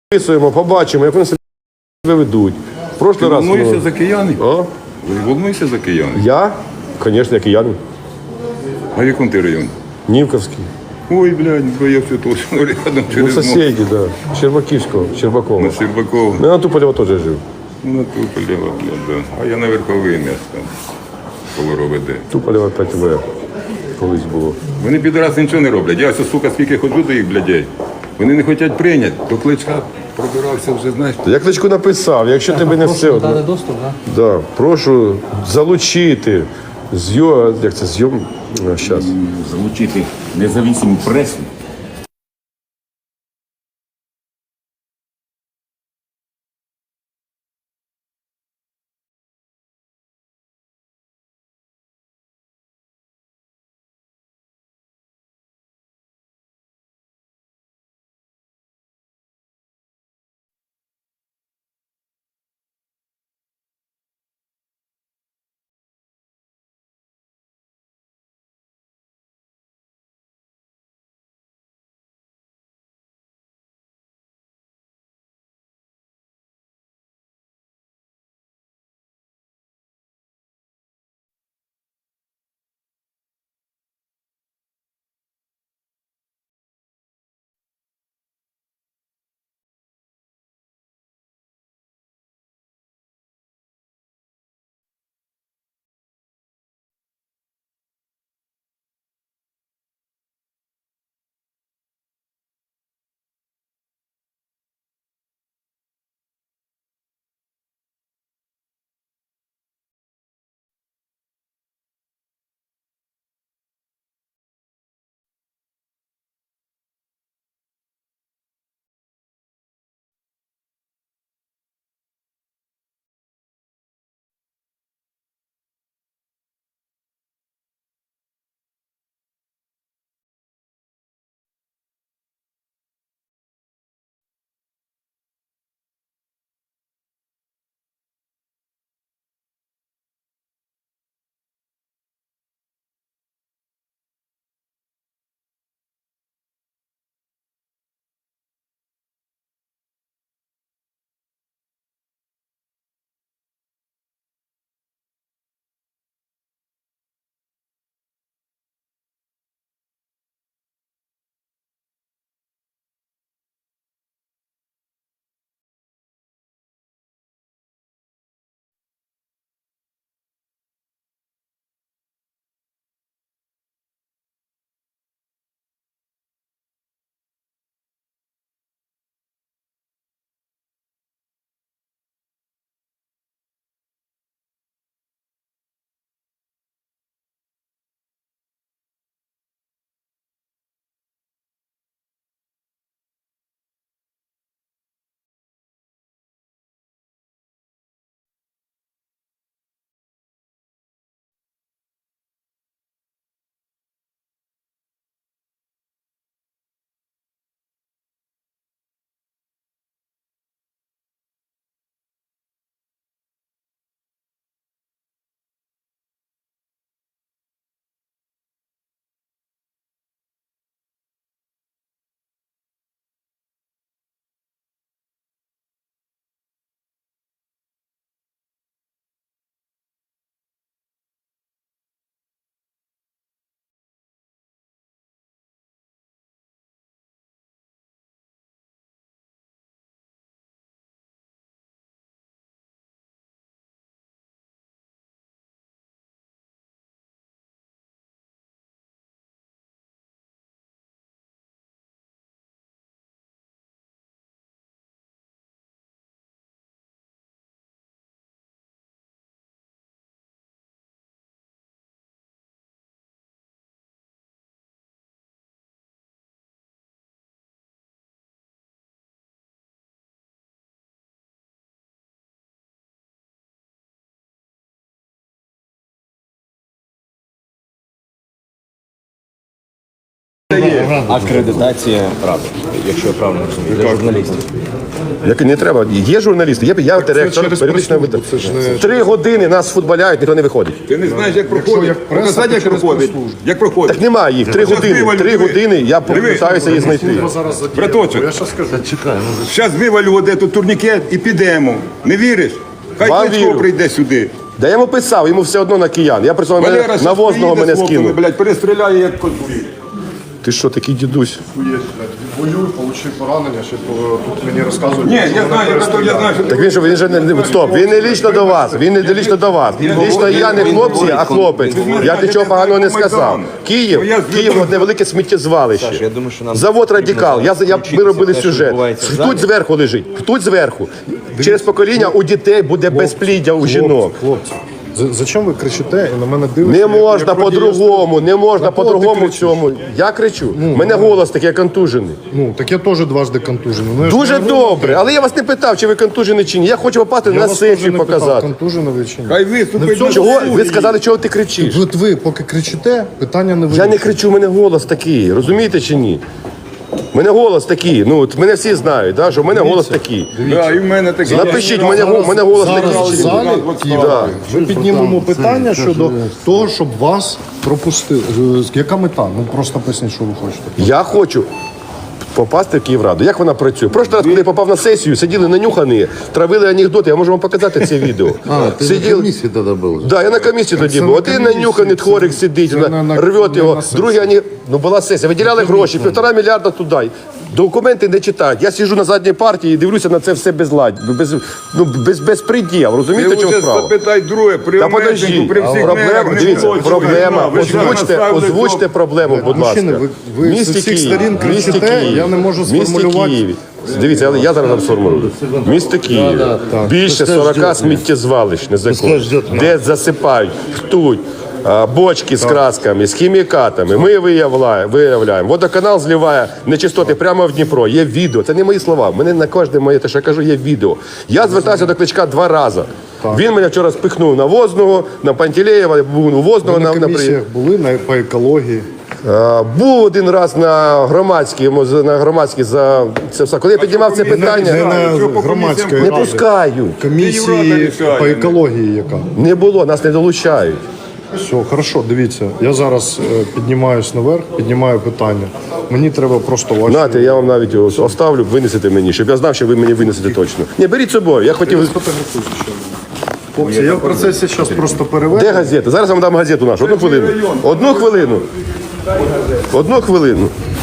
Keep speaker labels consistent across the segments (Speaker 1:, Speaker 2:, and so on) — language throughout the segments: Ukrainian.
Speaker 1: Записуємо, побачимо, як вони себе ведуть. В прошлий раз.
Speaker 2: Волнуєшся за кияни?
Speaker 1: А?
Speaker 2: Волнуєшся за кияни?
Speaker 1: Я? Звісно, я киянин.
Speaker 2: А в якому ти районі?
Speaker 1: Нівковський.
Speaker 2: Ой, блядь, боявся точно рядом
Speaker 1: Ну,
Speaker 2: через мост.
Speaker 1: сусіді, да. Щербаківського, Щербакова.
Speaker 2: На Щербакова.
Speaker 1: Ну, на Туполєва теж жив.
Speaker 2: Ну, на Туполєва, блядь, да. А я на Верховий місто. Коло РОВД.
Speaker 1: Туполєва 5В. Колись було.
Speaker 2: Вони підраси нічого не роблять. Я ось, сука, скільки ходжу до їх, блядей. Вони не хочуть прийняти. До Кличка пробирався вже, знаєш.
Speaker 1: Я Кличку написав, якщо тебе не все.
Speaker 3: Дали доступ, так?
Speaker 1: Да, прошу залучити як це, зараз.
Speaker 4: Залучити незалежну пресу
Speaker 3: Акредитація ради, якщо я правильно розумію, для журналістів.
Speaker 1: Як не треба. Є журналісти, я директор
Speaker 5: через
Speaker 1: періодичного
Speaker 5: прес-службу,
Speaker 1: видання.
Speaker 5: це ж не-
Speaker 1: 3 години нас футболяють, ніхто не виходить.
Speaker 2: Ти не знаєш, як проходить.
Speaker 5: як преса,
Speaker 2: Показати,
Speaker 5: то
Speaker 2: як
Speaker 5: через
Speaker 2: проходить.
Speaker 5: прес-службу.
Speaker 2: Як проходить.
Speaker 1: Так немає їх. 3 години. 3 години я попитаюся її знайти.
Speaker 5: Зараз
Speaker 2: Браточок,
Speaker 5: я щас скажу.
Speaker 2: зараз вивалю де тут турнікет і підемо. Не віриш? Хай
Speaker 1: Вам
Speaker 2: Кличко
Speaker 1: вірю.
Speaker 2: прийде сюди.
Speaker 1: Да я йому писав, йому все одно на киян. Я працював
Speaker 2: Валера
Speaker 1: на
Speaker 2: щас
Speaker 1: Возного
Speaker 2: приїде
Speaker 1: мене
Speaker 2: з хлопцями,
Speaker 1: скинув.
Speaker 2: блядь, перестріляє як конфлікт.
Speaker 1: Ти що, такий дідусь?
Speaker 5: Воюю, получив поранення, ще тут мені розказують.
Speaker 2: Ні,
Speaker 5: що
Speaker 2: я
Speaker 5: мене
Speaker 2: знаю, я знаю, що
Speaker 1: Так він же не стоп, він не лічно до вас. Він не лічно до вас. Лічно я не хлопці, а хлопець. Я нічого поганого не сказав. Київ одне велике сміттєзвалище.
Speaker 3: Я думаю, що нам
Speaker 1: Завод радикал. Ми робили
Speaker 3: те, що
Speaker 1: сюжет.
Speaker 3: відбувається в
Speaker 1: Хтось
Speaker 3: залі.
Speaker 1: зверху лежить, хтось зверху. Через покоління у дітей буде безпліддя у жінок.
Speaker 5: Хлопці, зачем ви кричите і на мене дивитеся?
Speaker 1: Не можна по-другому, не можна
Speaker 5: На кого ти
Speaker 1: по-другому в
Speaker 5: кричиш?
Speaker 1: цьому. Я кричу. У мене голос такий контужений.
Speaker 5: Ну, так я теж дважди контужений. Ну, я ж
Speaker 1: Дуже
Speaker 5: не говорю,
Speaker 1: добре, але я вас не питав, чи ви контужені чи ні. Я хочу попасти
Speaker 5: я
Speaker 1: на
Speaker 5: вас теж
Speaker 1: сесію
Speaker 5: не питав,
Speaker 1: показати.
Speaker 5: контужений ви чи ні.
Speaker 2: Хай виступить.
Speaker 5: Не в цьому
Speaker 1: Чого?
Speaker 5: суді.
Speaker 1: Ви сказали, чого ти кричиш?
Speaker 5: От ви поки кричите, питання не
Speaker 1: Я
Speaker 5: вирішує.
Speaker 1: не кричу, у мене голос такий, розумієте чи ні? У мене голос такий, ну от мене всі знають, да, що в мене голос такий.
Speaker 2: Да, і в мене такий.
Speaker 1: Напишіть, в мене голос
Speaker 5: зараз
Speaker 1: такий.
Speaker 5: в залі
Speaker 1: Да.
Speaker 5: ми піднімемо питання щодо того, щоб вас пропустили. Яка мета? Ну просто поясніть, що ви хочете.
Speaker 1: Я хочу попасти в Київраду. Як вона працює? Прошлий раз, коли я попав на сесію, сиділи нанюхані, травили анекдоти. Я можу вам показати це відео.
Speaker 6: Ты на комиссии тогда был?
Speaker 1: Да, я на комісії тоді
Speaker 5: це
Speaker 1: був.
Speaker 5: на
Speaker 1: Один
Speaker 5: комісії
Speaker 1: нанюханий тхорик сидить,
Speaker 5: Це
Speaker 1: рвет
Speaker 5: не
Speaker 1: його.
Speaker 5: на сесії.
Speaker 1: Другий, ну була сесія, виділяли гроші, 1,5 мільярда туди. Документи не читають. Я сиджу на задній партії і дивлюся на це все безпреділ.
Speaker 2: Ти
Speaker 1: Розумієте, чого
Speaker 2: вже
Speaker 1: справа?
Speaker 2: запитай друге, при
Speaker 1: Та
Speaker 2: Омельченку,
Speaker 1: подожди,
Speaker 2: при всіх
Speaker 1: проблема,
Speaker 2: мерах не
Speaker 1: дивіться,
Speaker 2: було
Speaker 1: проблема.
Speaker 2: цього.
Speaker 1: Озвучте проблему, будь ласка.
Speaker 5: Мужчини, ви з усіх сторін кричите, я не можу сформулювати.
Speaker 1: Києві. Дивіться, я зараз вам сформулюю. Місто Київ. Більше 40 сміттєзвалищ незаконних, де засипають, птуть, бочки з красками, з хімікатами. Ми виявляємо. Водоканал зливає нечистоти прямо в Дніпро. Є відео. Це не мої слова. Мене на кожне моє, те, що я кажу, є відео. Я звертався до Кличка 2 рази. Він мене вчора спихнув на Возного, на Пантелеєва, був у Возного
Speaker 5: На
Speaker 1: на
Speaker 5: комісіях були по екології.
Speaker 1: був один раз на громадській за це все. Коли я піднімав це
Speaker 5: Не
Speaker 1: питання,
Speaker 5: на
Speaker 2: що по
Speaker 5: громадської
Speaker 2: комісіям
Speaker 1: не
Speaker 5: ради.
Speaker 1: пускають.
Speaker 2: Європа
Speaker 5: Комісії
Speaker 2: рішає.
Speaker 5: по екології яка.
Speaker 1: Не було, нас не долучають.
Speaker 5: Все, хорошо, дивіться. Я зараз піднімаюсь наверх, піднімаю питання. Мені треба просто ваші...
Speaker 1: Знаєте, я вам навіть його оставлю, винесете мені, щоб я знав, що ви мені винесете точно. Ні, беріть з собою. Я хотів.
Speaker 5: Хлопці, я в процесі зараз просто переведу.
Speaker 1: Де газета? Зараз я вам дам газету нашу. Одну хвилину. Одну хвилину. Одну хвилину.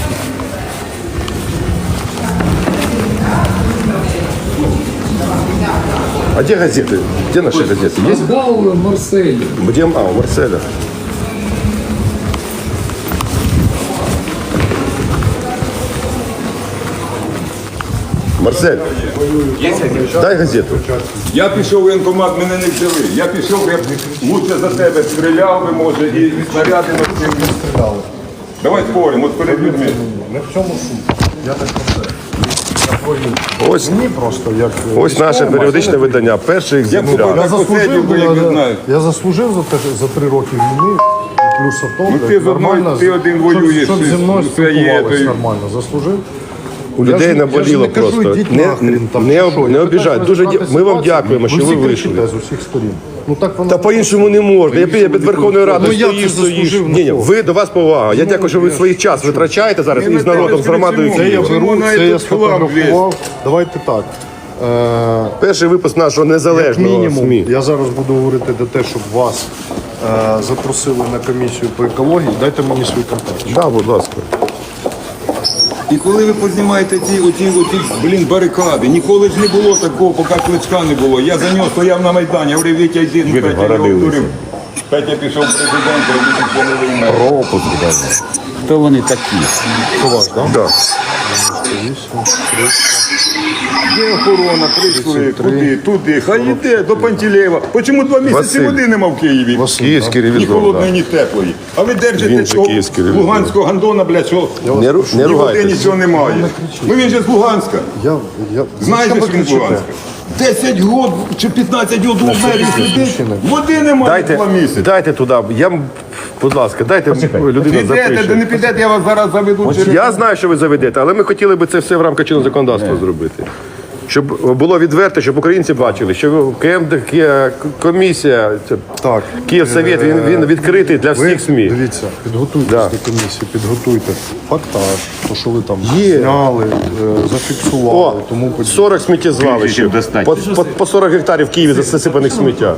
Speaker 1: А где газеты? Где наши газеты? Есть?
Speaker 7: Раздал Марсель.
Speaker 1: Где? У Марселя. Марсель, дай газету.
Speaker 2: Я пішов в воєнкомат, мене не взяли. Я пішов, я б лучше за тебе стріляв би, може, і снаряди носив. Давай споримо, от перед людьми.
Speaker 5: Не в цьому суть. Я так про це.
Speaker 1: Ось,
Speaker 5: Мені просто як...
Speaker 1: ось наше періодичне видання. Перший екземпляр.
Speaker 5: Я заслужив,
Speaker 2: як ви знаєте.
Speaker 5: я заслужив за 3 роки війни. І плюс авто,
Speaker 2: Ну, ти з одною- ти один воюєш,
Speaker 5: щоб зі мною
Speaker 2: це є,
Speaker 5: спілкувалися
Speaker 2: то й-
Speaker 5: нормально. Заслужив.
Speaker 1: У
Speaker 5: Я
Speaker 1: людей
Speaker 5: ж
Speaker 1: наболіло
Speaker 5: не кажу,
Speaker 1: просто.
Speaker 5: йдіть нахрен, там,
Speaker 1: Не
Speaker 5: чи що. Я
Speaker 1: обіжать.
Speaker 5: питаюсь
Speaker 1: Дуже
Speaker 5: розібрати
Speaker 1: ми вам
Speaker 5: ситуацію.
Speaker 1: дякуємо, що ви
Speaker 5: всі
Speaker 1: вийшли.
Speaker 5: кричите з усіх сторін. Ну так воно.
Speaker 1: Та по-іншому не можна. Я під Верховною Радою
Speaker 5: Ну, я
Speaker 1: стоїш,
Speaker 5: це заслужив,
Speaker 1: стоїш.
Speaker 5: ну,
Speaker 1: Ні,
Speaker 5: що?
Speaker 1: ви до вас повага. Я дякую, що ви свій час витрачаєте зараз
Speaker 2: Ми
Speaker 1: із
Speaker 2: на
Speaker 1: народом,
Speaker 2: тебе
Speaker 1: з громадою.
Speaker 2: кричимо.
Speaker 5: Це я
Speaker 2: Чому
Speaker 5: беру,
Speaker 2: на
Speaker 5: це я
Speaker 2: этот хлам
Speaker 5: сфотографував. Давайте так.
Speaker 1: Перший випуск нашого незалежного
Speaker 5: Мінімум,
Speaker 1: СМІ.
Speaker 5: я зараз буду говорити до те, щоб вас запросили на комісію по екології. Дайте мені свій контакт.
Speaker 1: Да, будь ласка.
Speaker 2: І коли ви познімаєте оті, блін, барикади, ніколи ж не було такого, поки Кличка не було. Я за нього стояв на Майдані, я говорив, Вітя, йди, ну, Петя його вдурив. Петя пішов президентом, і він помилив мене.
Speaker 4: Пропуск даже. Хто вони такі?
Speaker 1: Да.
Speaker 2: Є охорона, прийшли, куди, туди, хай йде, до Пантелеєва. Чому 2 місяці
Speaker 1: Василь.
Speaker 2: води нема в Києві?
Speaker 1: Київський
Speaker 2: Ні
Speaker 1: ревізор.
Speaker 2: холодної,
Speaker 1: Да.
Speaker 2: ні теплої. А ви держите
Speaker 1: Він же
Speaker 2: цього
Speaker 1: київський ревізор.
Speaker 2: луганського гандона, блядь, що
Speaker 1: Не
Speaker 2: ні води,
Speaker 1: ругайтесь.
Speaker 2: нічого немає. Ну він же з Луганська.
Speaker 1: Ну,
Speaker 2: Знаєш,
Speaker 5: Що ви
Speaker 2: що він з
Speaker 5: кричите?
Speaker 2: Луганська? 10 років чи 15 років у двері сидить, води немає 2 місяці.
Speaker 1: Дайте туди. Будь ласка, дайте людина
Speaker 2: Підете, де
Speaker 1: запише.
Speaker 2: не підете, я вас зараз заведу.
Speaker 1: Я знаю, що ви заведете, але ми хотіли би це все в рамках чинного законодавства зробити. Щоб було відверто, щоб українці бачили, що комісія,
Speaker 5: Так.
Speaker 1: Київсовєт, він відкритий для всіх СМІ.
Speaker 5: Дивіться, підготуйтесь
Speaker 1: Да.
Speaker 5: до комісії, підготуйте фактаж, то, що ви там
Speaker 1: Є.
Speaker 5: зняли, зафіксували,
Speaker 1: О,
Speaker 5: тому подібне.
Speaker 1: 40 сміттєзвалищ. По 40 гектарів в Києві засипаних сміття.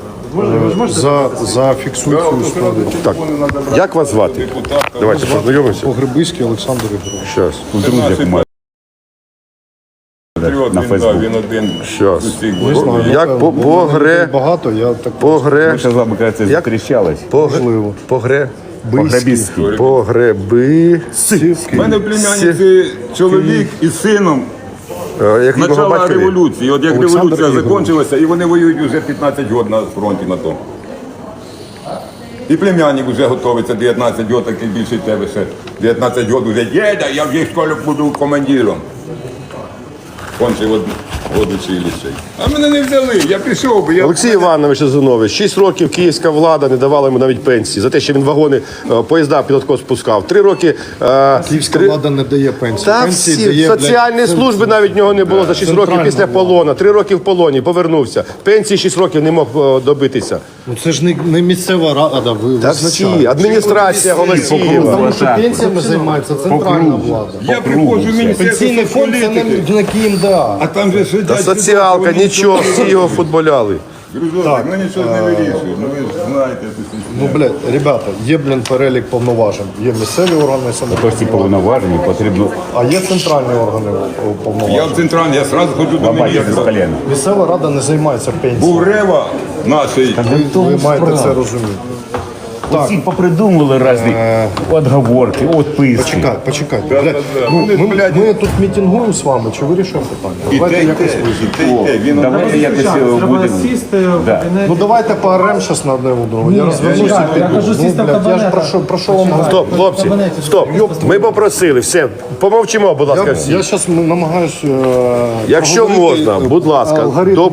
Speaker 5: Зафіксуйте цю історію.
Speaker 1: Так, як вас звати? Давайте познайомимося.
Speaker 5: Погребиський Олександр Ігорович.
Speaker 1: Щас.
Speaker 2: Він один.
Speaker 1: Щас.
Speaker 5: Не знаю,
Speaker 1: Як
Speaker 5: напевно, багато, я так
Speaker 1: Погре...
Speaker 3: З вами, кажеться,
Speaker 1: Як?
Speaker 3: зустрічались.
Speaker 5: можливо.
Speaker 3: Погребіський.
Speaker 1: Погреби...
Speaker 2: У мене в племянниці чоловік із сином
Speaker 1: Як його
Speaker 2: начала
Speaker 1: батькові?
Speaker 2: революції. От як
Speaker 5: Олександр
Speaker 2: революція
Speaker 5: Ігорович.
Speaker 2: закінчилася, і вони воюють вже 15 років на фронті на тому. І племянник вже готовиться 19 років, такий більше тебе ще. 19 років вже діда, я вже в школі буду командиром. Кончив училище. А мене не взяли, я пішов би.
Speaker 1: Олексій Іванович Азунович, 6 років київська влада не давала йому навіть пенсії за те, що він вагони, поїзда під откос спускав. 3 роки...
Speaker 5: Київська влада не дає пенсії.
Speaker 1: Та
Speaker 5: Пенсії
Speaker 1: всі,
Speaker 5: дає,
Speaker 1: соціальні служби навіть в нього не було за 6 років
Speaker 5: Центральна
Speaker 1: після
Speaker 5: влада.
Speaker 1: полону. 3 роки в полоні, повернувся. Пенсії 6 років не мог добитися.
Speaker 5: Ну це ж не місцева рада, ви
Speaker 1: Та всі,
Speaker 5: визначаєте.
Speaker 1: адміністрація Голосієва.
Speaker 5: Тому що пенсіями займається центральна влада.
Speaker 2: Я приходжу в міністерство
Speaker 5: Пенсійний фонд це
Speaker 2: політики,
Speaker 5: не КМДА.
Speaker 2: а там же сидять...
Speaker 1: Та соціалка, нічого, всі його футболяли.
Speaker 2: Грузовик, ну нічого не вирішує. Ну ви ж знаєте,
Speaker 5: Ну, блядь, ребята, є, перелік повноважень. Є місцеві органи
Speaker 3: Ось ці
Speaker 5: самоврядування,
Speaker 3: повноваження потрібно
Speaker 5: а є центральні органи
Speaker 2: я
Speaker 5: повноважень.
Speaker 2: в центральній, я одразу ходжу до
Speaker 3: бачити з
Speaker 2: міністра.
Speaker 3: колена.
Speaker 5: Місцева рада не займається пенсією.
Speaker 2: Був Рева нашої.
Speaker 5: Ви маєте це розуміти.
Speaker 3: Всі попридумували різні відговорки, відписки.
Speaker 5: Почекайте. Блядь, ну, ми тут мітингуємо з вами, чи вирішуємо питання?
Speaker 2: І
Speaker 5: Давайте
Speaker 2: те, і
Speaker 5: якось
Speaker 2: те,
Speaker 5: визначимо.
Speaker 2: і те, і те. Він
Speaker 3: Давайте якось будемо. Да.
Speaker 5: Ну давайте пооремо зараз на одне у другого. Я розвернуся і піду. Ну, блядь, я ж про що вам говорю?
Speaker 1: Стоп, хлопці, стоп. Ми попросили, все, помовчимо, будь ласка, всі.
Speaker 5: Я зараз намагаюся.
Speaker 1: Якщо можна, будь ласка,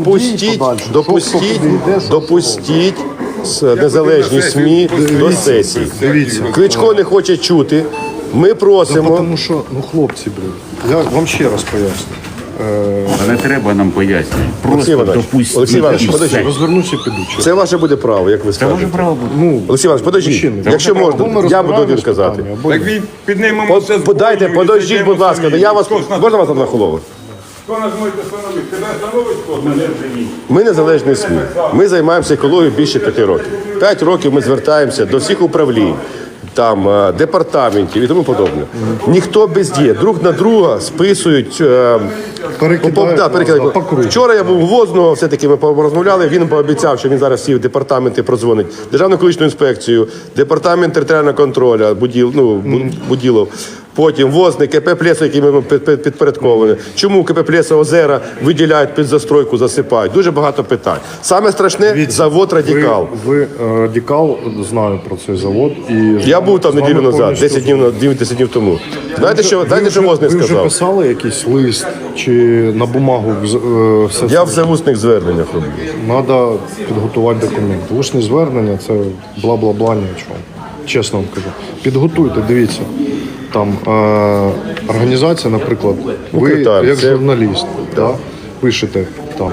Speaker 1: допустіть незалежні СМІ до сесії.
Speaker 5: Дивіться.
Speaker 1: Кличко не хоче чути. Ми просимо.
Speaker 5: Тому що, ну хлопці, блядь, я вам ще раз поясню.
Speaker 3: Не треба нам пояснювати.
Speaker 1: Олексій
Speaker 3: Просто
Speaker 1: Іванович,
Speaker 3: допустіть.
Speaker 1: Олексій Іванович,
Speaker 3: і все.
Speaker 1: подожди.
Speaker 5: Розвернуся і піду.
Speaker 1: Це ваше буде право, як ви
Speaker 3: Це ваше
Speaker 1: скажете.
Speaker 3: право буде.
Speaker 5: Ну,
Speaker 1: Олексій Іванович, подождіть.
Speaker 5: мужчини,
Speaker 1: Якщо
Speaker 5: або ми
Speaker 1: можна, я буду
Speaker 5: розбираємось
Speaker 1: один казати.
Speaker 5: питання, або
Speaker 2: Так
Speaker 5: ні.
Speaker 2: він піднімемо все з
Speaker 1: Подайте,
Speaker 2: бою, і
Speaker 1: подождіть,
Speaker 2: зайдемо
Speaker 1: будь ласка.
Speaker 2: самі.
Speaker 1: Я вас
Speaker 2: Хто ж нас-
Speaker 1: можна вас одна хвилина?
Speaker 2: Хто нас може встановити? Тебе встановить хто?
Speaker 1: Ми незалежні СМІ. Ми займаємося екологією більше 5 років. 5 років ми звертаємося до всіх управлінь, там, департаментів і тому подобне. Ніхто бездіє. Друг на друга списують. Перекидають.
Speaker 5: по кругу.
Speaker 1: Вчора я був у Возного, все-таки ми порозмовляли, він пообіцяв, що він зараз всі департаменти продзвонить. Державну екологічну інспекцію, департамент територіального контролю, Буділов. Потім Возний, КП «Плесо», яким ми підпорядковані. Чому КП «Плесо» озера виділяють під застройку, засипають? Дуже багато питань. Саме страшне – завод «Радикал».
Speaker 5: Ви Радикал, знаю про цей завод. І
Speaker 1: Я був там
Speaker 5: з вами
Speaker 1: неділю назад,
Speaker 5: повністю
Speaker 1: 10 днів тому. Знаєте, що Возний
Speaker 5: Ви вже
Speaker 1: сказав?
Speaker 5: писали якийсь лист чи на бумагу все
Speaker 1: Я все в усних зверненнях роблю.
Speaker 5: Треба підготувати документи. Усне звернення це бла-бла-бла нічого. Чесно вам кажу. Підготуйте, дивіться. Там організація, наприклад, ви
Speaker 1: Китай,
Speaker 5: як
Speaker 1: це-
Speaker 5: журналіст пишете там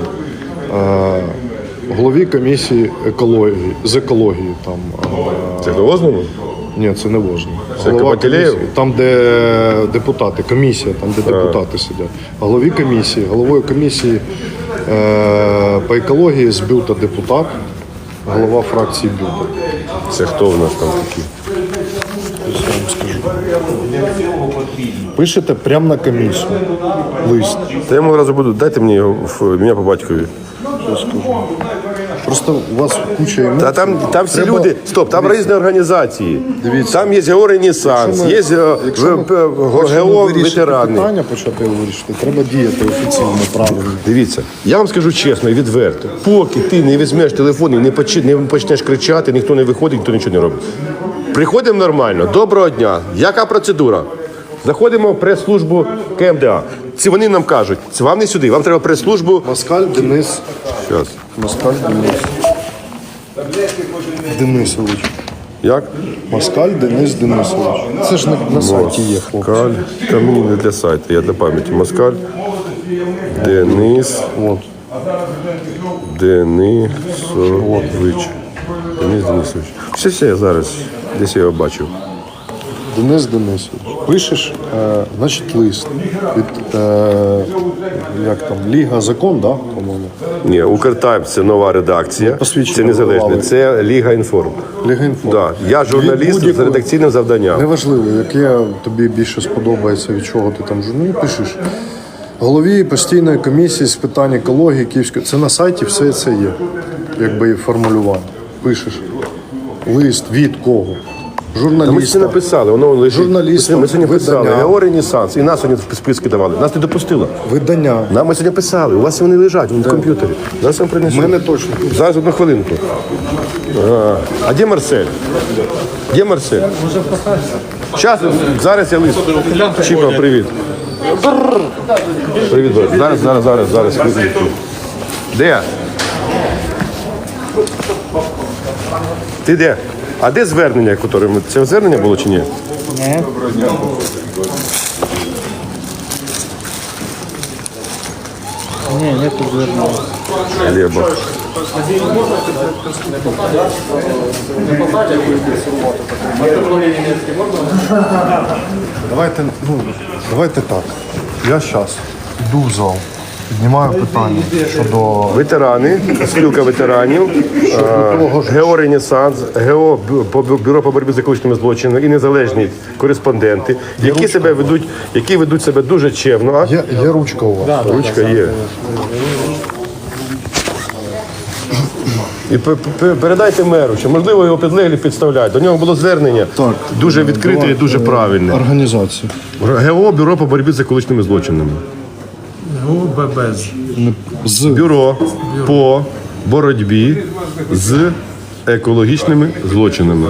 Speaker 5: голові комісії з екології.
Speaker 1: Це до Возному?
Speaker 5: Ні, це не важно.
Speaker 1: Це Кабатілеєв?
Speaker 5: Там, де депутати, комісія, там, де депутати сидять. Головою комісії по екології з Бюта депутат, голова фракції Бюта.
Speaker 1: Це хто в нас там такі?
Speaker 5: Я вам скажу. Пишете прямо на комісію лист.
Speaker 1: Та я йому одразу буду, дайте мені його ім'я по батькові.
Speaker 5: Просто у вас куча емоцій.
Speaker 1: Та там всі
Speaker 5: Треба-
Speaker 1: люди, стоп, там різні організації.
Speaker 5: Дивіться.
Speaker 1: Там є ГО «Ренесанс», є ГО «Ветерани».
Speaker 5: Питання почати вирішити, треба діяти офіційно, правильно.
Speaker 1: Дивіться, я вам скажу чесно і відверто. Поки ти не візьмеш телефон і не почнеш кричати, ніхто не виходить, ніхто нічого не робить. Приходимо нормально, доброго дня. Яка процедура? Заходимо в прес-службу КМДА. Вони нам кажуть, це вам не сюди, вам треба прес-службу.
Speaker 5: Москаль Денис.
Speaker 1: Щас.
Speaker 5: Москаль Денис. Денисович.
Speaker 1: Як?
Speaker 5: Москаль Денис Денисович. Це ж на сайті є, хлопці.
Speaker 1: Москаль. Та мені не для сайту, я для пам'яті. Москаль. Денис.
Speaker 5: От.
Speaker 1: Денисович. Денис Денисович. Все, я зараз. Десь я його бачив.
Speaker 5: Денис Денисович. Пишеш, значить, лист від як там, Ліга Закон, да, по-моєму?
Speaker 1: Ні, Укртаймс це нова редакція.
Speaker 5: Посвідчення
Speaker 1: Це незалежне.
Speaker 5: давали.
Speaker 1: Це Ліга Інформ.
Speaker 5: Ліга Інфо.
Speaker 1: Да. Я журналіст
Speaker 5: Від
Speaker 1: з
Speaker 5: будь-якої-
Speaker 1: редакційним завданням.
Speaker 5: Неважливо, яке тобі більше сподобається, від чого ти там журнал пишеш. Голові постійної комісії з питань екології Київської. Це на сайті все це є, якби і формулювання. Пишеш лист від кого?
Speaker 1: Та ми це
Speaker 5: Журналіста.
Speaker 1: написали, воно лежить.
Speaker 5: Журналістам,
Speaker 1: Ми сьогодні писали.
Speaker 5: видання.
Speaker 1: ГО «Ренесанс». І нас сьогодні в списки давали. Нас не допустило.
Speaker 5: Видання.
Speaker 1: Нам ми сьогодні писали. У вас вони лежать, вони в комп'ютері. Зараз вам принесу.
Speaker 5: У мене точно.
Speaker 1: Зараз одну хвилинку. А де Марсель? Де Марсель? Щас, зараз я лист. Чіпа, привіт. Привіт, брат. Зараз. Хвилинку. Де? Ти де? А де звернення, яке ми... Це звернення було чи ні?
Speaker 7: Ні, не звернення.
Speaker 1: Глеба.
Speaker 5: Давайте так. Я зараз йду в зал, піднімаю питання щодо
Speaker 1: Ветерани, спілка ветеранів, ГО «Ренесанс», ГО Бюро по боротьбі з екологічними злочинами і незалежні кореспонденти, які ведуть себе дуже чемно.
Speaker 5: Є ручка у вас.
Speaker 1: Ручка є. І передайте меру, що можливо його підлеглі підставляють. До нього було звернення дуже відкрите і дуже правильне.
Speaker 5: Організація.
Speaker 1: ГО Бюро по боротьбі з екологічними злочинами.
Speaker 7: ГУББЗ.
Speaker 1: Бюро по боротьбі з екологічними злочинами.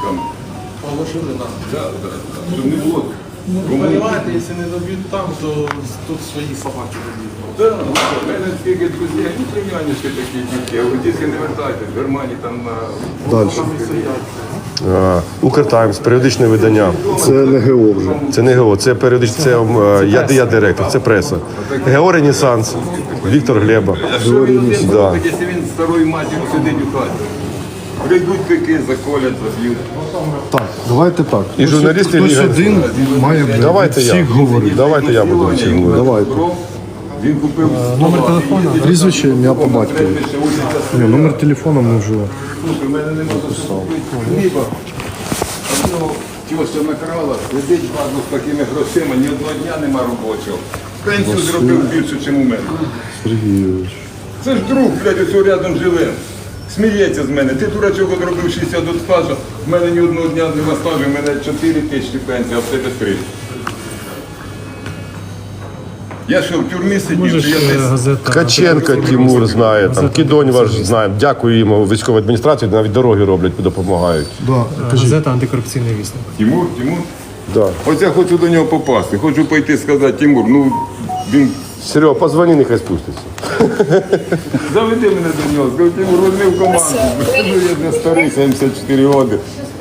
Speaker 8: Понимаете, если не добьют там, то тут свои собаки добьют.
Speaker 2: У мене скільки друзів, ні племяннички такі дітки, а от дітки не вертайте, в Германії там на...
Speaker 5: Далі.
Speaker 1: Укртаймс, періодичне видання.
Speaker 5: Це не ГО вже.
Speaker 1: Це не ГО, це періодичне, це я директор, це преса. ГО «Ренесанс», Віктор Глеба. Да.
Speaker 2: Якщо він старою матір'ю сидить у хаті, прийдуть пики, заколять, заб'ють.
Speaker 5: Так, давайте так.
Speaker 1: І журналісти
Speaker 5: Хтось
Speaker 1: Ліга.
Speaker 5: один має від
Speaker 1: Давайте я.
Speaker 5: всіх говорити.
Speaker 1: Давайте я буду всіх говорити.
Speaker 5: Давайте.
Speaker 2: Він купив
Speaker 7: Номер телефону.
Speaker 5: Прізвище, ім'я по батькові. Ні, номер телефону ми вже.
Speaker 2: у мене не можна купити хліба. Одного тьоща накрала, сидить базу з такими грошима, ні одного дня нема робочого. Пенсію зробив більше, ніж у мене.
Speaker 5: Сергійович.
Speaker 2: Це ж друг, блядь, ось рядом живе. Сміється з мене. Ти дурачок одробив 60 до стажу, в мене ні одного дня нема стажу, в мене 4 тисячі пенсії, а в тебе 3. Я що, в тюрмі сидів, чи я десь?
Speaker 7: Газета.
Speaker 1: Ткаченко Тимур знає, там, Кідонь ваш знає. Дякую йому військовій адміністрації, навіть дороги роблять, допомагають.
Speaker 5: Да.
Speaker 7: Газета «Антикорупційний вісник».
Speaker 2: Тимур?
Speaker 1: Да.
Speaker 2: Ось я хочу до нього попасти, хочу пойти сказати, Тимур, ну він
Speaker 1: Серега, позвони, нехай спуститься.
Speaker 2: заведи мене до нього, скажи, Тимур, возьми в команду. Ну, я не старий, 74 роки.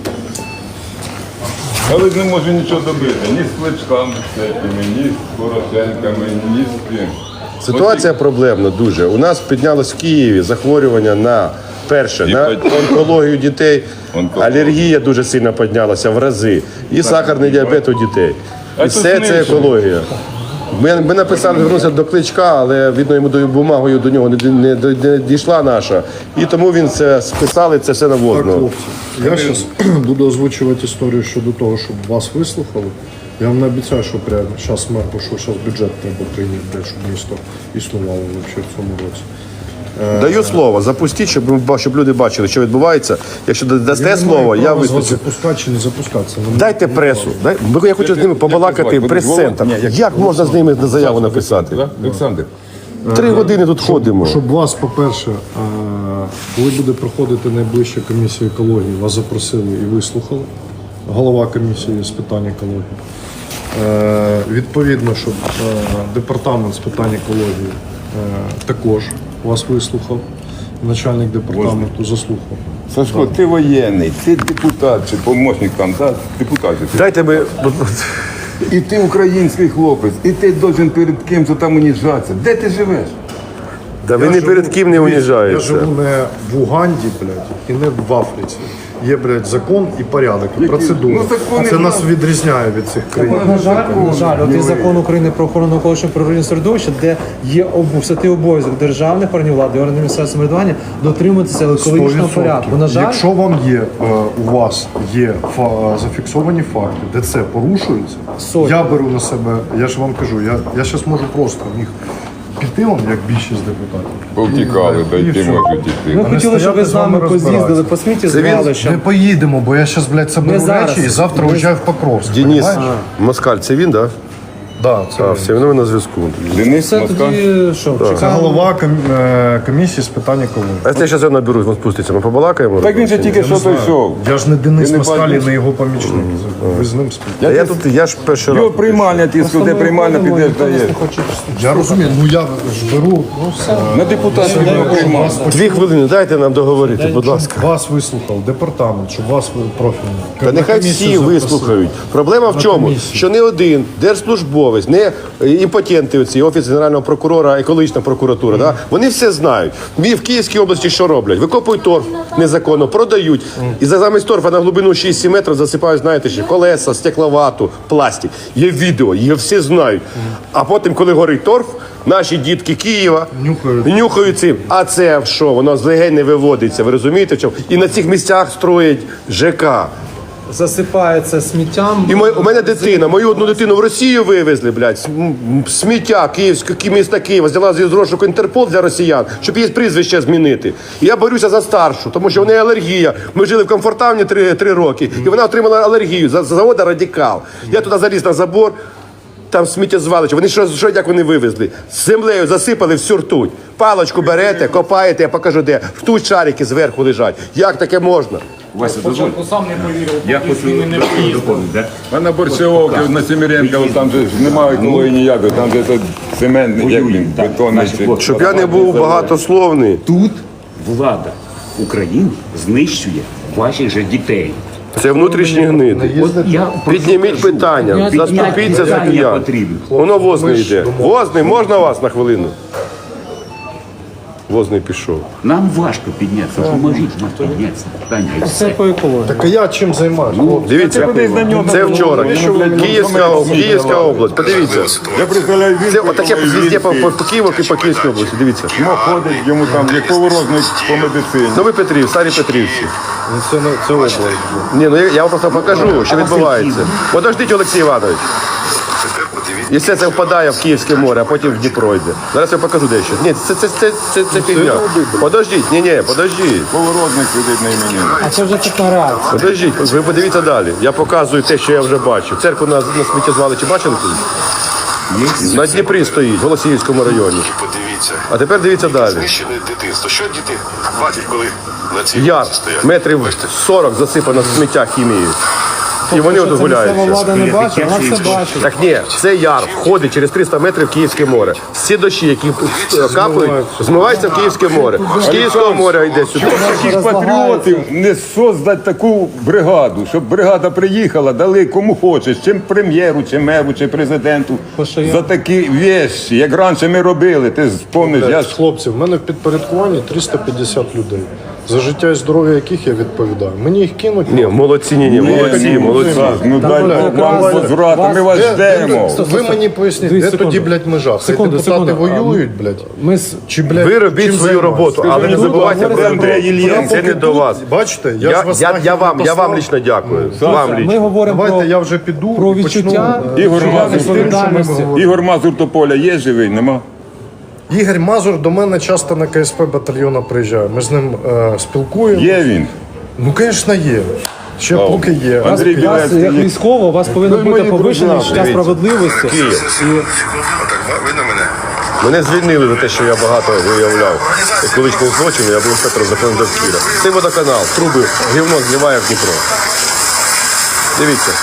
Speaker 2: Але ж не можу нічого добити, ні з Кличками всякими, ні з Порошенками, ні з ким.
Speaker 1: Ситуація проблемна дуже. У нас піднялось в Києві захворювання на перше, на онкологію дітей. Алергія дуже сильно піднялася в рази. І сахарний діабет у дітей. І все це екологія. Ми написали, звернувся до Кличка, але видно, йому бумагою до нього не дійшла наша. І тому він це списали, це все наводно.
Speaker 5: Хлопці, я зараз буду озвучувати історію щодо того, щоб вас вислухали. Я вам не обіцяю, що прямо зараз мер пішов, зараз бюджет треба прийняти, щоб місто існувало взагалі в цьому році.
Speaker 1: Даю слово, запустіть, щоб люди бачили, що відбувається. Якщо дасте слово, я виступлю.
Speaker 5: Запускати чи не запускатися.
Speaker 1: Дайте пресу. Я хочу з ними побалакати, прес-центр. Як можна з ними заяву написати?
Speaker 2: Олександр.
Speaker 1: 3 години тут ходимо.
Speaker 5: Щоб вас, по-перше, коли буде проходити найближча комісія екології, вас запросили і вислухали. Голова комісії з питань екології. Відповідно, щоб департамент з питань екології також вас вислухав. начальник департаменту заслухав.
Speaker 2: Сашко, ти воєнний, ти депутат чи помічник там, да? Депутат. же ти.
Speaker 1: Дайте ми.
Speaker 2: І ти український хлопець, і ти должен перед кимось там уніжатися. Де ти живеш?
Speaker 1: Да ви не перед ким не
Speaker 5: Я
Speaker 1: уніжаєтеся.
Speaker 5: живу не в Уганді, блядь, і не в Африці. Є, блядь, закон і порядок, і процедура.
Speaker 2: Ну, закони
Speaker 5: Це нас
Speaker 2: знають.
Speaker 5: відрізняє від цих країн.
Speaker 7: На жаль, от є закон України про охорону навколишнього природного середовища, де є святий обов'язок державних органів влади, органів місцевого самоврядування дотримуватися екологічного
Speaker 5: 100%.
Speaker 7: порядку. На жаль,
Speaker 5: Якщо вам є, у вас є зафіксовані факти, де це порушується,
Speaker 7: Сотні.
Speaker 5: я беру на себе, я ж вам кажу, я зараз можу просто в них піти вам, як більшість депутатів.
Speaker 2: Повтікали,
Speaker 5: І
Speaker 2: дайте
Speaker 5: все.
Speaker 2: можуть йти.
Speaker 7: ми
Speaker 5: а не
Speaker 7: хотіли, щоб ви
Speaker 5: стояти
Speaker 7: з
Speaker 5: з вами
Speaker 7: нами поз'їздили
Speaker 5: розбиратися.
Speaker 7: по світі,
Speaker 1: Це він-
Speaker 7: знали, що
Speaker 5: Не поїдемо, бо я зараз, блядь, соберу
Speaker 7: зараз.
Speaker 5: речі і завтра уїжджаю в Покровськ.
Speaker 1: Денис
Speaker 5: понімаєш?
Speaker 1: Москаль, це він, так?
Speaker 5: Да, це
Speaker 1: А,
Speaker 5: він.
Speaker 1: все, ми на зв'язку.
Speaker 2: Денис
Speaker 7: це
Speaker 2: Москаль.
Speaker 7: тоді що,
Speaker 5: Це
Speaker 7: чекаємо.
Speaker 5: голова комісії з питань екології.
Speaker 1: А якщо я зараз наберу, він спуститься, ми побалакаємо?
Speaker 2: Так він же тільки що той йшов.
Speaker 5: Я ж не Денис
Speaker 2: Ти не
Speaker 5: Москаль,
Speaker 2: бачиш?
Speaker 5: не його помічник. Ви з ним спілкуєтесь.
Speaker 1: Я ж перший раз.
Speaker 2: Його приймальня тиску, де приймальня підеш дає.
Speaker 5: Я розумію, ну я ж беру
Speaker 2: На депутатів його приймальня.
Speaker 1: 2 хвилини, дайте нам договорити, будь ласка.
Speaker 5: вас вислухав департамент, щоб вас профільний.
Speaker 1: Та нехай всі вислухають. Проблема в чому?
Speaker 5: комісію.
Speaker 1: Що не один держслужбовець, не імпотенти оці, Офіс Генерального прокурора, екологічна прокуратура, да? Вони все знають. В Київській області що роблять? Викопують торф незаконно, продають. І замість торфа на глибину 6-7 метрів засипають, знаєте, ще колеса, стекловату, пластик. Є відео, їх всі знають. А потім, коли горить торф, наші дітки Києва нюхають цим. А це що? Воно з легень не виводиться, ви розумієте в чому? І на цих місцях строять ЖК.
Speaker 7: Засипається сміттям.
Speaker 1: І у мене дитина, мою одну дитину в Росію вивезли, блядь, сміття міста Києва, взяла з розшуку Інтерпол для росіян, щоб її прізвище змінити. І я борюся за старшу, тому що в неї алергія. Ми жили в комфортавні 3 роки, і вона отримала алергію за заводу «Радикал». Я туди заліз на забор, там сміттєзвалище. Вони як вони вивезли? З землею засипали всю ртуть. Палочку берете, копаєте, я покажу де. Ртуть шарики зверху лежать. Як таке можна?
Speaker 3: Вася, дозволь.
Speaker 8: сам не повірив,
Speaker 3: Я хочу доповнити, да?
Speaker 2: А на Борщевовці, на Семіренка, там же ж немає екології ніякої, там же це цементний, як він,
Speaker 3: Так,
Speaker 2: бетонний.
Speaker 3: наші хлопці.
Speaker 1: Щоб я не був багатословний.
Speaker 3: Тут влада України знищує ваших же дітей.
Speaker 1: Це внутрішні гниди.
Speaker 3: От я
Speaker 1: Підніміть питання, заступіться за
Speaker 3: питання
Speaker 1: киян.
Speaker 3: потрібно.
Speaker 1: Воно возний йде. Возний, можна вас на хвилину? Возний пішов.
Speaker 3: Нам важко піднятися, поможіть нам піднятися. Таня, і
Speaker 7: Це
Speaker 3: все.
Speaker 7: по екології.
Speaker 5: Так а я чим займаюся?
Speaker 1: Дивіться, це вчора. Київська область. Подивіться.
Speaker 2: Я представляю, він
Speaker 1: Це отаке везде по Києву і по Київській області. Дивіться.
Speaker 2: ходить, йому там є поворозник по медицині.
Speaker 1: Новий Петрів, Старі Петрівці.
Speaker 5: Це область.
Speaker 1: Ні, ну я вам просто покажу, що відбувається. Подождіть, Олексій Іванович. І все це впадає в Київське море, а потім в Дніпро йде. Зараз я покажу дещо. Ні, це фігня. Подождіть, ні, подождіть.
Speaker 2: Поворозник сидить на імені.
Speaker 7: А це вже така реакція.
Speaker 1: Подождіть, ви подивіться далі. Я показую те, що я вже бачу. Церкву на сміттєзвалищі бачили колись? На Дніпрі стоїть, в Голосіївському районі.
Speaker 9: Подивіться,
Speaker 1: А тепер дивіться далі.
Speaker 9: знищене дитинство. Що діти бачать, коли на цій
Speaker 1: Яр,
Speaker 9: вулиці стоять?
Speaker 1: метрів 40 засипано сміття хімією. І вони от
Speaker 7: Це місцева
Speaker 1: гуляють.
Speaker 7: влада не бачить, вона все бачить.
Speaker 1: Так ні, це яр входить через 300 метрів в Київське море. Всі дощі, які капають, змиваються в Київське море. З Київського моря йде сюди.
Speaker 2: Таких патріотів не создати таку бригаду, щоб бригада приїхала, дали кому хочеш, чим прем'єру, чи меру, чи президенту.
Speaker 7: Пошаян.
Speaker 2: За такі вещі, як раніше ми робили, ти спомниш, я ж
Speaker 5: Хлопці, в мене в підпорядкуванні 350 людей. За життя і здоров'я яких я відповідаю. Мені їх кинуть.
Speaker 1: Ні, молодці, молодці.
Speaker 2: ну дай Бог вам возврату, ми вас ждемо.
Speaker 5: Ви мені поясніть,
Speaker 7: Дві
Speaker 5: де
Speaker 7: секунди.
Speaker 5: тоді, блядь, межа? Хай
Speaker 7: Секунду,
Speaker 5: депутати
Speaker 7: секунду.
Speaker 5: воюють, блядь?
Speaker 7: Ми з
Speaker 5: Чи, блядь,
Speaker 1: Ви робіть
Speaker 5: чим
Speaker 1: свою
Speaker 5: займаються?
Speaker 1: роботу, але не забувайте про Андрія Єлєнка. Це не до вас.
Speaker 5: Бачите, я ж вас
Speaker 1: Я вам
Speaker 5: послав.
Speaker 1: лично дякую. Вам
Speaker 7: ми
Speaker 1: лично.
Speaker 7: говоримо
Speaker 5: Давайте я
Speaker 7: про,
Speaker 5: вже піду
Speaker 7: про
Speaker 5: і почну,
Speaker 7: відчуття
Speaker 2: Ігор Мазур,
Speaker 7: відповідальності.
Speaker 2: Ігор Мазур Тополя є живий, нема?
Speaker 5: Ігор Мазур до мене часто на КСП батальйону приїжджає. Ми з ним спілкуємо.
Speaker 2: Є він.
Speaker 5: Ну, звісно, є. Ще поки є.
Speaker 2: Андрій
Speaker 7: У вас,
Speaker 2: Білецький
Speaker 7: як
Speaker 2: є.
Speaker 7: військово, у вас повинно
Speaker 5: Ви
Speaker 7: бути
Speaker 5: мої
Speaker 7: повищене
Speaker 5: друзі,
Speaker 7: відчуття справедливості.
Speaker 9: Отак, ви на мене.
Speaker 1: Мене звільнили за те, що я багато виявляв екологічних злочинів, я був інспектором закону довкілля. Це водоканал, труби, гівно зливає в Дніпро. Дивіться.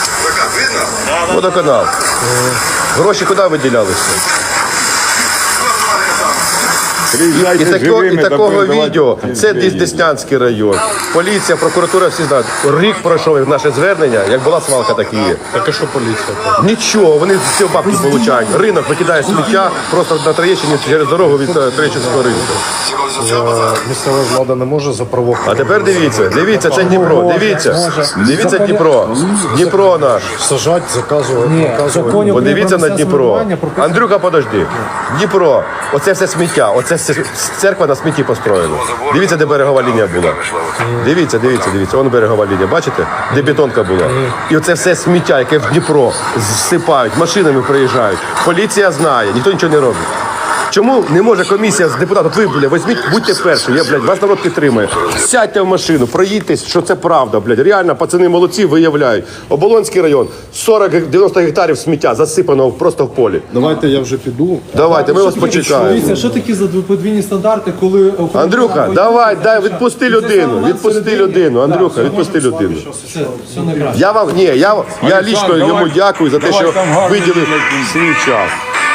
Speaker 1: Водоканал. Гроші куди виділялися? І такого відео. Це Деснянський район. Поліція, прокуратура, всі знають. Рік пройшов як наше звернення, як була свалка, так і є.
Speaker 5: Так а що поліція?
Speaker 1: Нічого, вони всі бабки получають. Ринок викидає сміття просто на Троєщині через дорогу від Троєщинського ринку.
Speaker 5: Місцева влада не може за
Speaker 1: А тепер дивіться, це Дніпро, дивіться Дніпро, Дніпро наш.
Speaker 5: сажати, заказувати, наказувати.
Speaker 1: Подивіться на Дніпро. Андрюха, подожди. Дніпро, оце все сміття, оце все церква на смітті построєна. Дивіться, де берегова лінія була. Дивіться, вон берегова лінія, бачите? Де бетонка була. І оце все сміття, яке в Дніпро зсипають, машинами приїжджають. Поліція знає, ніхто нічого не робить. Чому не може комісія з депутатів, ви, візьміть, будьте перші, вас народ підтримує. Сядьте в машину, проїдьтесь, що це правда, реально, пацани молодці, виявляють. Оболонський район, 40-90 гектарів сміття засипано просто в полі.
Speaker 5: Давайте я вже піду.
Speaker 1: Давайте, ми вас почекаємо.
Speaker 7: Дивіться, що такі за подвійні стандарти, коли...
Speaker 1: Андрюха, давай, відпусти людину, Андрюха, відпусти людину.
Speaker 7: Все найкраще.
Speaker 1: Я лічно йому дякую за те, що виділив свій час.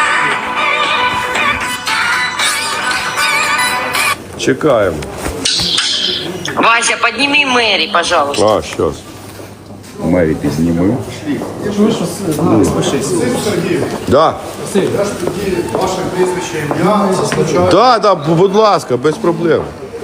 Speaker 1: Чекаємо.
Speaker 10: Вася, подними Мэри, пожалуйста.
Speaker 1: А, щас.
Speaker 3: Мері піднімив.
Speaker 1: Да. Да, будь ласка, без проблем.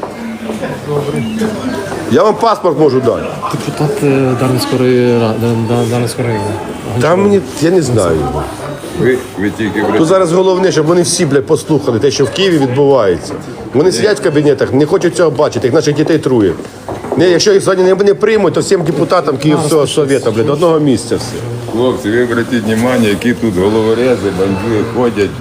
Speaker 1: Я вам паспорт можу дати.
Speaker 7: Депутат Дарницького району.
Speaker 1: Там мені, я не знаю.
Speaker 2: Ви тільки
Speaker 1: Тут зараз головне, щоб вони всі, послухали те, що в Києві відбувається. Вони сидять в кабінетах, не хочуть цього бачити, як наших дітей трує. Якщо їх сьогодні не приймуть, то всім депутатам Київського совєта, одного місця все.
Speaker 2: Хлопці, ви обратіть увагу, які тут головорези, бандити ходять.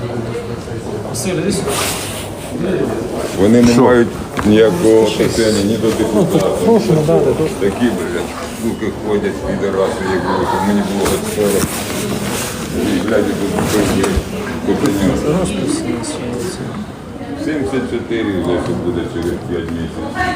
Speaker 2: Вони не мають ніякого отношення ні до депутатів. Такі, блядь, суки ходять, підараси, як було, щоб мені було хоч 40. І, блядь, тут купиня. 74 вже тут буде через 5 місяців.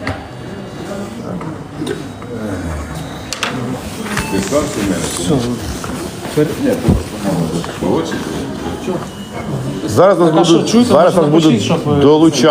Speaker 2: Ти сам Семенович? Ні, молодший.
Speaker 1: Зараз нас будуть долучати.